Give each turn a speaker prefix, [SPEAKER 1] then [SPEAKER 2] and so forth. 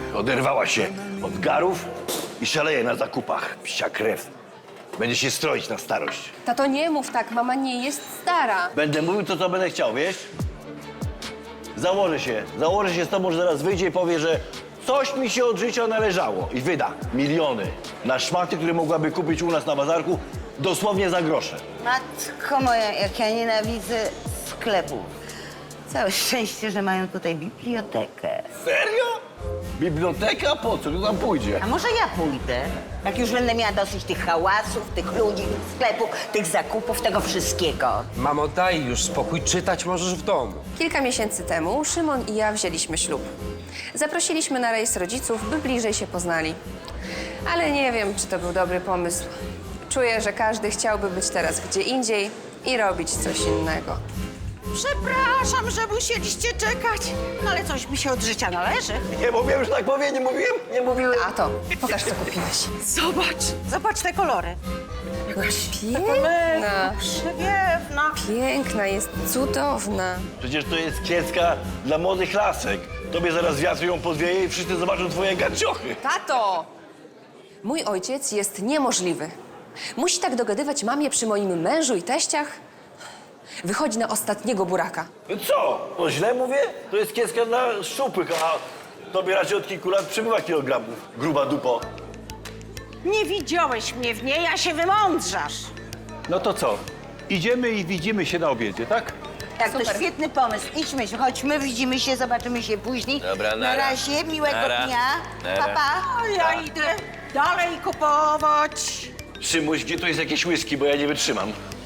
[SPEAKER 1] Oderwała się od garów i szaleje na zakupach. Psia krew. Będzie się stroić na starość.
[SPEAKER 2] Tato, nie mów tak, mama nie jest stara.
[SPEAKER 1] Będę mówił to, co będę chciał, wiesz? Założę się z tobą, że zaraz wyjdzie i powie, że coś mi się od życia należało i wyda miliony na szmaty, które mogłaby kupić u nas na bazarku dosłownie za grosze.
[SPEAKER 3] Matko moja, jak ja nienawidzę sklepów. Całe szczęście, że mają tutaj bibliotekę.
[SPEAKER 1] Serio? Biblioteka? Po co? Kto tam pójdzie?
[SPEAKER 3] A może ja pójdę? Jak już będę miała dosyć tych hałasów, tych ludzi, tych sklepów, tych zakupów, tego wszystkiego.
[SPEAKER 4] Mamo, daj już spokój, czytać możesz w domu.
[SPEAKER 2] Kilka miesięcy temu Szymon i ja wzięliśmy ślub. Zaprosiliśmy na rejs rodziców, by bliżej się poznali. Ale nie wiem, czy to był dobry pomysł. Czuję, że każdy chciałby być teraz gdzie indziej i robić coś innego.
[SPEAKER 5] Przepraszam, że musieliście czekać. No ale coś mi się od życia należy.
[SPEAKER 1] Nie mówiłem, że tak powie, nie mówiłem? Nie mówiłem.
[SPEAKER 2] Tato, pokaż, co kupiłeś.
[SPEAKER 5] Zobacz te kolory.
[SPEAKER 2] Piękna.
[SPEAKER 5] Przewiewna.
[SPEAKER 2] Piękna, jest cudowna.
[SPEAKER 1] Przecież to jest kiecka dla młodych lasek. Tobie zaraz wiatr ją podwieje i wszyscy zobaczą twoje gaciochy.
[SPEAKER 2] Tato! Mój ojciec jest niemożliwy. Musi tak dogadywać mamie przy moim mężu i teściach. Wychodzi na ostatniego buraka.
[SPEAKER 1] No co? To źle mówię? To jest kiecka dla szczupłych, a tobie raczej od kilku lat przybywa kilogramów. Gruba dupo.
[SPEAKER 5] Nie widziałeś mnie w niej, a się wymądrzasz.
[SPEAKER 6] No to co? Idziemy i widzimy się na obiedzie, tak?
[SPEAKER 3] Tak,
[SPEAKER 2] Super.
[SPEAKER 3] to świetny pomysł. Idźmy, chodźmy, widzimy się, zobaczymy się później.
[SPEAKER 1] Dobra,
[SPEAKER 3] Na
[SPEAKER 1] nara.
[SPEAKER 3] razie, miłego
[SPEAKER 1] Nara.
[SPEAKER 3] dnia.
[SPEAKER 1] Nara.
[SPEAKER 3] Pa, pa.
[SPEAKER 5] A ja idę dalej kupować.
[SPEAKER 1] Szymuś, gdzie tu jest jakieś whisky, bo ja nie wytrzymam.